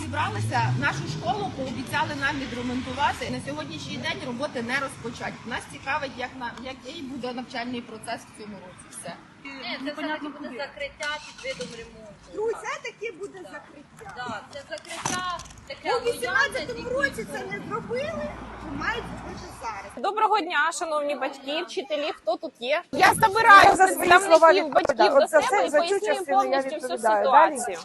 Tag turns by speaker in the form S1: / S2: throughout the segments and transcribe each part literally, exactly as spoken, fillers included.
S1: зібралися, нашу школу пообіцяли нам відремонтувати. На сьогоднішній день роботи не розпочать. Нас цікавить, як на який буде навчальний процес в цьому році. Все.
S2: Ні, це все-таки буде закриття під видом ремонту.
S1: Ну, це таки буде закриття.
S2: Так, це закриття таке
S1: У вісімнадцятому році це не зробили, то мають зробити зараз.
S3: Доброго дня, шановні батьки, вчителі, хто тут є? Я забираю
S4: за свої слова
S3: представників батьків
S4: відповідаю.
S3: до
S4: От за
S3: себе
S4: це-
S3: і
S4: за цю
S3: пояснюю
S4: частину я
S3: повністю всю
S4: відповідаю. Далі.
S3: ситуацію.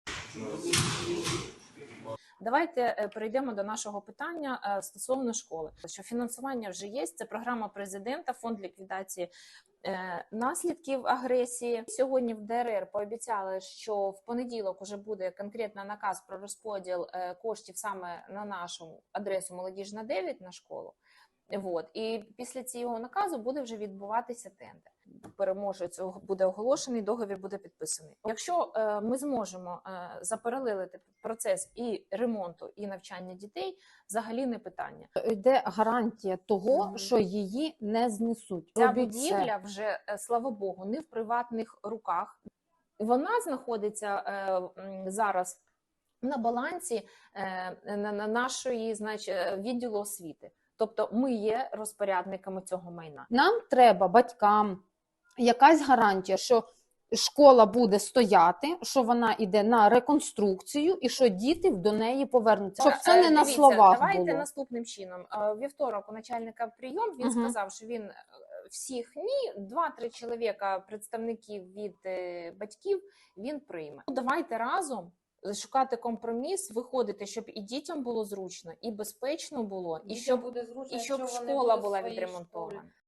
S3: Давайте е, перейдемо до нашого питання е, стосовно школи. Що фінансування вже є, це програма президента, фонд ліквідації е, наслідків агресії. Сьогодні в ДРР пообіцяли, що в понеділок уже буде конкретний наказ про розподіл е, коштів саме на нашу адресу Молодіжна дев'ять на школу. Вот. І після цього наказу буде вже відбуватися тендер. Переможець буде оголошений, договір буде підписаний. Якщо е, ми зможемо е, запаралелити процес і ремонту, і навчання дітей, взагалі не питання.
S5: Йде гарантія того,
S3: Мгм.
S5: що її не знесуть.
S3: Ця
S5: Робіть це.
S3: будівля вже, е, слава Богу, не в приватних руках. Вона знаходиться е, м, зараз на балансі е, на, на нашої, значить, відділу освіти. Тобто ми є розпорядниками цього майна.
S5: Нам треба батькам якась гарантія, що школа буде стояти, що вона йде на реконструкцію і що діти до неї повернуться. Щоб це
S3: Е,
S5: не на
S3: дивіться,
S5: словах
S3: давайте
S5: було.
S3: наступним чином. Е, Вівторок у начальника прийом, він
S5: Мгм.
S3: сказав, що він е, всіх ні, два-три чоловіка, представників від е, батьків, він прийме. Ну, давайте разом шукати компроміс, виходити, щоб і дітям було зручно, і безпечно було, і щоб,
S6: буде зручно,
S3: і щоб
S6: якщо вони
S3: школа
S6: будуть
S3: була
S6: в своїй
S3: відремонтована.
S6: школі.